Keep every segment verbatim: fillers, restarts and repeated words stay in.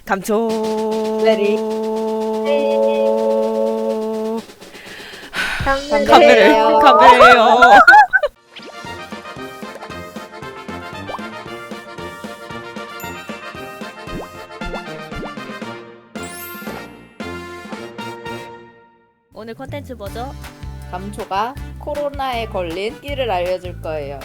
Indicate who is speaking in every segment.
Speaker 1: 감초.
Speaker 2: 레디.
Speaker 1: 카메를 카메래요. 오늘 컨텐츠 뭐죠?
Speaker 2: 감초가 코로나에 걸린 끼를 알려줄 거예요.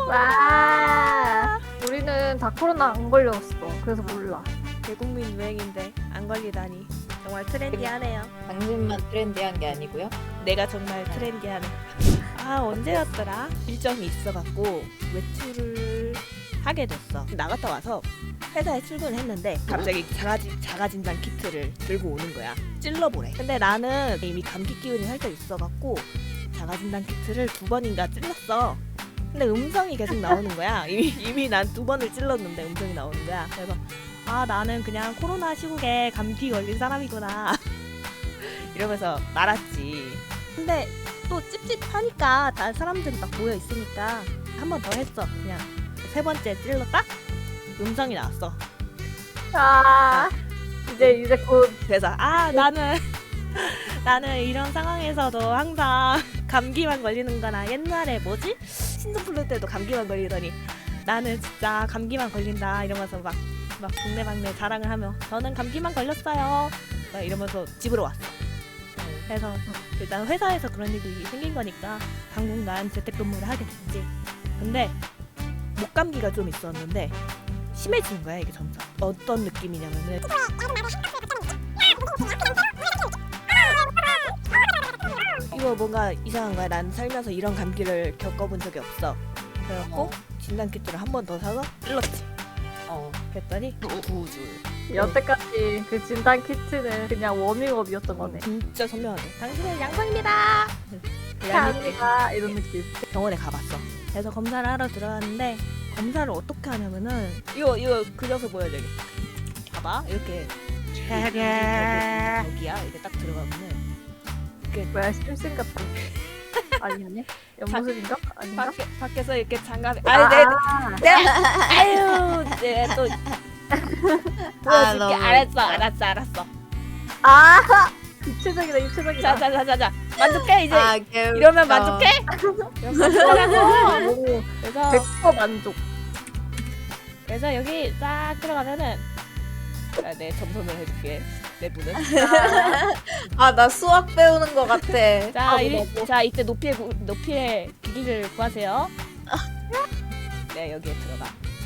Speaker 3: 와, 우리는 다 코로나 안 걸렸어. 그래서 몰라.
Speaker 1: 대국민 유행인데 안 걸리다니 정말 트렌디하네요.
Speaker 2: 당신만 트렌디한 게 아니고요.
Speaker 1: 내가 정말 트렌디하네. 아 언제였더라? 일정이 있어갖고 외출을 하게 됐어. 나갔다 와서 회사에 출근했는데 갑자기 자가진, 자가진단 키트를 들고 오는 거야. 찔러보래. 근데 나는 이미 감기 기운이 살짝 있어갖고 자가진단 키트를 두 번인가 찔렀어. 근데 음성이 계속 나오는 거야. 이미, 이미 난 두 번을 찔렀는데 음성이 나오는 거야. 그래서 아 나는 그냥 코로나 시국에 감기 걸린 사람이구나 이러면서 말았지. 근데 또 찝찝하니까 다른 사람들이 막 모여 있으니까 한 번 더 했어. 그냥 세 번째 찔렀다? 음성이 나왔어.
Speaker 3: 아, 이제 이제 곧
Speaker 1: 그래서 아 나는 나는 이런 상황에서도 항상 감기만 걸리는 거나 옛날에 뭐지? 신종플루 때도 감기만 걸리더니 나는 진짜 감기만 걸린다 이러면서 막, 막 동네방네 자랑을 하며 저는 감기만 걸렸어요 막 이러면서 집으로 왔어. 그래서 일단 회사에서 그런 일이 생긴 거니까 당분간 재택근무를 하게 됐지. 근데 목감기가 좀 있었는데 심해지는 거야 이게 점점. 어떤 느낌이냐면은 이거 뭔가 이상한 거야. 난 살면서 이런 감기를 겪어본 적이 없어. 그래갖고
Speaker 2: 어.
Speaker 1: 진단키트를 한 번 더 사서 찔렀지.
Speaker 2: 어.
Speaker 1: 그랬더니 두 줄.
Speaker 3: 여태까지 그 진단 키트는 그냥 워밍업이었던 거네.
Speaker 1: 진짜 선명하게 당신은 양성입니다.
Speaker 3: 감사합니다. 이런 느낌.
Speaker 1: 병원에 가봤어. 그래서 검사를 하러 들어갔는데 검사를 어떻게 하냐면은 이거 이거 그려서 보여줘. 봐봐 이렇게 여기야 이렇게 딱 들어가면은 이렇게
Speaker 3: 뭐야, 심슨 같다. 아니네? 연무술인가? 아닌가?
Speaker 1: 밖에 밖에서 이렇게 장갑에 아니 내
Speaker 3: 아,
Speaker 1: 내 아유 내또 보여줄게.
Speaker 2: 너무
Speaker 1: 알았어
Speaker 2: 웃겨.
Speaker 1: 알았어 알았어.
Speaker 3: 아, 입체적이다, 입체적이다.
Speaker 1: 자자자자자 만족해 이제.
Speaker 2: 아, 개웃겨.
Speaker 1: 이러면 만족해? 이러면 만족하라고.
Speaker 3: 오,
Speaker 1: 그래서
Speaker 3: 백 퍼센트 만족.
Speaker 1: 그래서 여기 딱 들어가면은 아, 내 점선을 해줄게. 내 눈은.
Speaker 2: 아, 나 수학 배우는 거 같아.
Speaker 1: 자,
Speaker 3: 아,
Speaker 1: 이,
Speaker 3: 뭐.
Speaker 1: 자 이때 높이의 구- 높이의 길이를 구하세요. 네 여기에 들어가.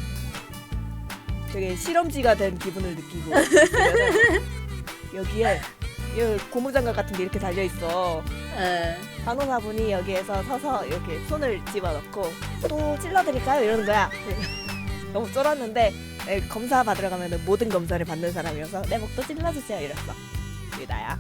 Speaker 1: 되게 실험지가 된 기분을 느끼고 있으면은 여기에 이 고무장갑 같은 게 이렇게 달려 있어.
Speaker 2: 예.
Speaker 1: 간호사분이 여기에서 서서 이렇게 손을 집어넣고 또 찔러드릴까요? 이러는 거야. 너무 쫄았는데 네, 검사 받으러 가면 모든 검사를 받는 사람이어서 내 목도 찔러주세요 이랬어. 이게 나야.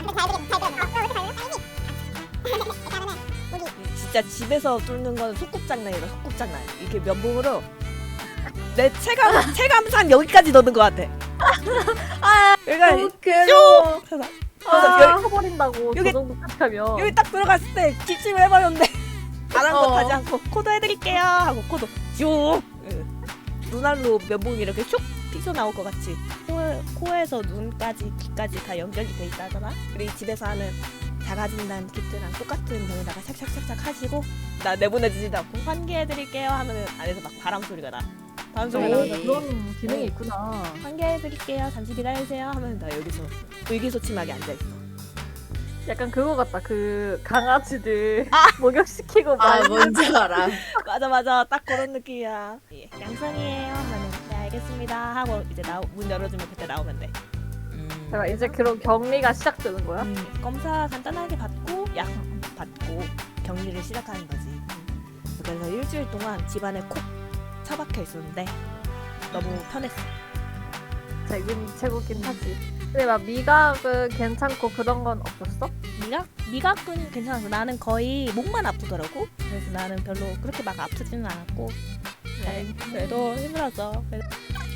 Speaker 1: 진짜 집에서 뚫는 건 소꿉장난이다. 소꿉장난. 이렇게 면봉으로 내 체감 체감상 여기까지 넣는 것 같아. 그러니까
Speaker 2: 너무 괴로워.
Speaker 1: 그래서
Speaker 3: 아,
Speaker 1: 여기-
Speaker 3: 커버린다고
Speaker 1: 여기-
Speaker 3: 저 정도까지 하면.
Speaker 1: 여기 딱 들어갔을 때 기침을 해버렸는데 안 한 것
Speaker 2: 어.
Speaker 1: 하지 않고 코도 해드릴게요 하고 코도 쭉 눈알로 면봉이 이렇게 슉 튀어나올 것 같이 코, 코에서 눈까지 귀까지 다 연결이 돼 있다잖아. 그리고 집에서 하는 자가진단 키트랑 똑같은 병에다가 샥샥샥샥 하시고 나 내보내주지도 않고 환기해드릴게요 하면은 안에서 막 바람 소리가 나. 바람 소리가
Speaker 3: 오,
Speaker 1: 나면서
Speaker 3: 그런 기능이
Speaker 1: 네.
Speaker 3: 있구나.
Speaker 1: 환기해드릴게요 잠시 기다리세요 하면 나 여기서 의기소침하게 앉아있어.
Speaker 3: 약간 그거 같다. 그 강아지들 목욕시키고
Speaker 2: 아,
Speaker 3: 막
Speaker 2: 뭔지 알아.
Speaker 1: 맞아 맞아 딱 그런 느낌이야. 예, 양성이에요 하면은 네 알겠습니다 하고 이제 나, 문 열어주면 그때 나오면 돼.
Speaker 2: 음.
Speaker 3: 제가 이제 그런 격리가 시작되는 거야?
Speaker 1: 음, 검사 간단하게 받고 약 받고 격리를 시작하는 거지. 음. 그래서 일주일 동안 집안에 콕 처박혀 있었는데 너무 편했어.
Speaker 3: 재균이 최고긴 하지. 근데 막 미각은 괜찮고 그런 건 없었어?
Speaker 1: 미각? 미각은 괜찮았어. 나는 거의 목만 아프더라고. 그래서 나는 별로 그렇게 막 아프지는 않았고 네, 그래도 힘들었어. 그래서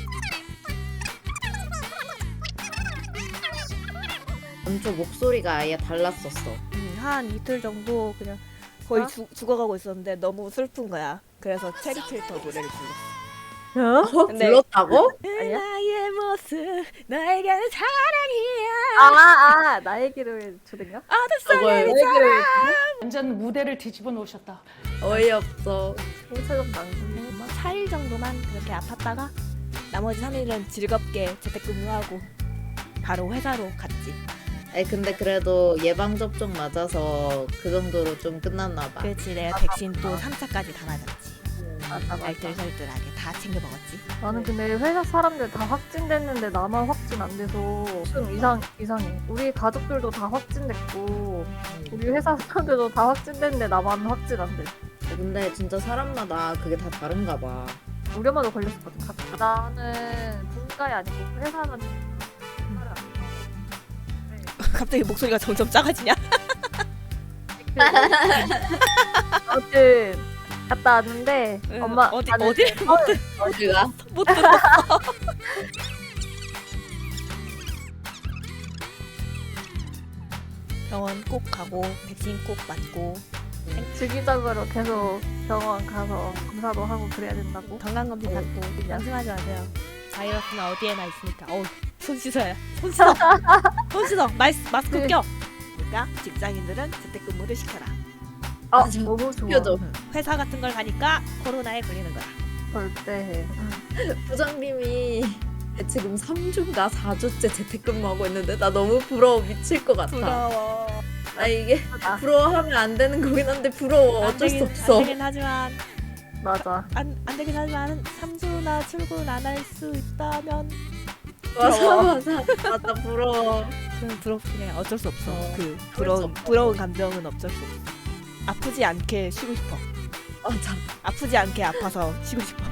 Speaker 2: 감초 목소리가 아예 달랐었어.
Speaker 1: 음, 한 이틀 정도 그냥 거의
Speaker 3: 어?
Speaker 1: 죽, 죽어가고 있었는데 너무 슬픈 거야. 그래서 체리 필터 노래를 불렀어.
Speaker 2: 어?
Speaker 1: 근데-
Speaker 2: 불렀다고?
Speaker 3: 아니야?
Speaker 1: 나의 모습 너에게는 사랑이야.
Speaker 3: 아, 아, 나의 길을 주든가?
Speaker 1: 어둠 속에
Speaker 2: 저걸
Speaker 3: 길을
Speaker 4: 완전 무대를 뒤집어 놓으셨다.
Speaker 2: 어이없어.
Speaker 3: 홍채점 당근.
Speaker 1: 뭐 사 일 정도만 그렇게 아팠다가 나머지 삼 일은 즐겁게 재택근무하고 바로 회사로 갔지.
Speaker 2: 아니 근데 그래도 예방 접종 맞아서 그 정도로 좀 끝났나 봐.
Speaker 1: 그렇지, 내가 백신 또 삼 차까지 다 맞았지.
Speaker 3: 맞아, 맞아.
Speaker 1: 알뜰살뜰하게 다 챙겨 먹었지.
Speaker 3: 나는 근데 회사 사람들 다 확진됐는데 나만 확진 안 돼서 좀 이상, 이상해. 우리 가족들도 다 확진됐고 우리 회사 사람들도 다 확진됐는데 나만 확진 안 돼.
Speaker 2: 근데 진짜 사람마다 그게 다 다른가 봐.
Speaker 3: 우리 엄마도 걸렸었거든. 갑자기. 나는 본가이 아니고 회사는 본가를 안 해.
Speaker 1: 갑자기 목소리가 점점 작아지냐?
Speaker 3: 아무튼 갔다 왔는데
Speaker 1: 응,
Speaker 3: 엄마
Speaker 1: 어디
Speaker 3: 나는
Speaker 1: 어디를 못, 들-
Speaker 2: 어디가?
Speaker 1: 못 들어. 병원 꼭 가고 백신 꼭 맞고
Speaker 3: 주기적으로 계속 병원 가서 검사도 하고 그래야 된다고.
Speaker 1: 건강검진
Speaker 3: 네,
Speaker 1: 받고
Speaker 3: 그냥.
Speaker 1: 안심하지 마세요. 바이러스는 어디에나 있으니까. 어우, 손 씻어야. 손 씻어. 손 씻어. 마스, 마스크
Speaker 3: 네.
Speaker 1: 껴. 그러니까 직장인들은 재택근무를 시켜라.
Speaker 3: 아
Speaker 2: 맞아.
Speaker 3: 너무 좋아.
Speaker 2: 껴줘.
Speaker 1: 회사 같은 걸 가니까 코로나에 걸리는 거야.
Speaker 3: 절대 해.
Speaker 2: 부장님이 지금 삼 주인가 사 주째 재택근무하고 있는데 나 너무 부러워 미칠 것 같아.
Speaker 1: 부러워.
Speaker 2: 아 이게
Speaker 3: 아,
Speaker 2: 부러워하면 안 되는 거긴 한데 부러워.
Speaker 1: 안
Speaker 2: 어쩔 수
Speaker 1: 되긴,
Speaker 2: 없어.
Speaker 1: 안 되긴 하지만
Speaker 3: 맞아.
Speaker 1: 안, 안 되긴 하지만 삼 주나 출근 안 할 수 있다면
Speaker 2: 맞아
Speaker 1: 부러워.
Speaker 2: 맞아 맞아 부러워.
Speaker 1: 그럼 부럽긴 해. 어쩔 수 없어.
Speaker 2: 어,
Speaker 1: 그
Speaker 2: 수
Speaker 1: 부러운
Speaker 2: 없어.
Speaker 1: 부러운 감정은 어쩔 수 없어. 아프지 않게 쉬고 싶어.
Speaker 2: 맞아.
Speaker 1: 아프지 않게 아파서 쉬고 싶어.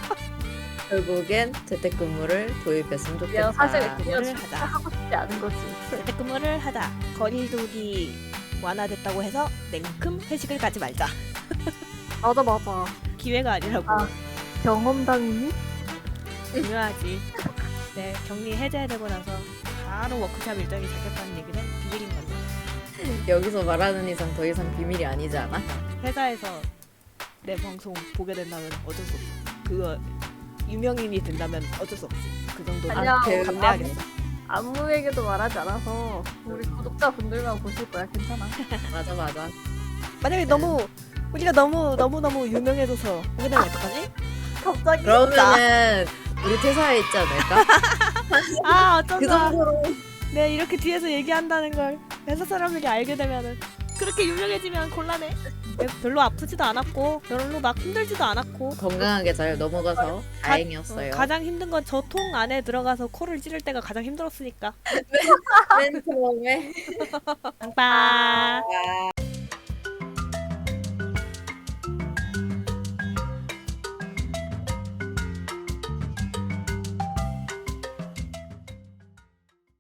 Speaker 2: 결국엔 재택근무를 도입했으면 좋겠다.
Speaker 3: 그냥 사실
Speaker 1: 그거를
Speaker 3: 그냥
Speaker 1: 하자.
Speaker 3: 하고 싶지 않은 거지.
Speaker 1: 재택근무를 하자. 거리두기 완화됐다고 해서 냉큼 회식을 가지 말자.
Speaker 3: 맞아 맞아.
Speaker 1: 기회가 아니라고.
Speaker 3: 아. 경험담이니?
Speaker 1: 중요하지. 네, 격리 해제되고 나서 바로 워크샵 일정이 잡혔다는 얘기는 비밀인 건데.
Speaker 2: 여기서 말하는 이상 더 이상 비밀이 아니지 않아?
Speaker 1: 회사에서 내 방송 보게 된다면 어쩔 수 없어. 그거 유명인이 된다면 어쩔 수 없지. 그 정도
Speaker 3: 아니야,
Speaker 2: 그
Speaker 1: 감내하겠어.
Speaker 3: 아무에게도 말하지 않아서 우리 구독자분들만 보실 거야. 괜찮아.
Speaker 2: 맞아 맞아.
Speaker 1: 만약에 너무 우리가 너무 너무 너무 유명해져서 보게 되면 어떡하지?
Speaker 3: 갑자기
Speaker 2: 그러면은 우리 퇴사해 있지 않을까?
Speaker 1: 아
Speaker 2: 그
Speaker 1: 어쩐다.
Speaker 2: 정도로
Speaker 1: 네 이렇게 뒤에서 얘기한다는 걸 회사 사람들이 알게 되면은 그렇게 유명해지면 곤란해. 네, 별로 아프지도 않았고 별로 막 힘들지도 않았고
Speaker 2: 건강하게 잘 넘어가서 다행이었어요.
Speaker 1: 어, 가장 힘든 건 저 통 안에 들어가서 코를 찌를 때가 가장 힘들었으니까.
Speaker 2: 맨 처음에
Speaker 1: 빵빵.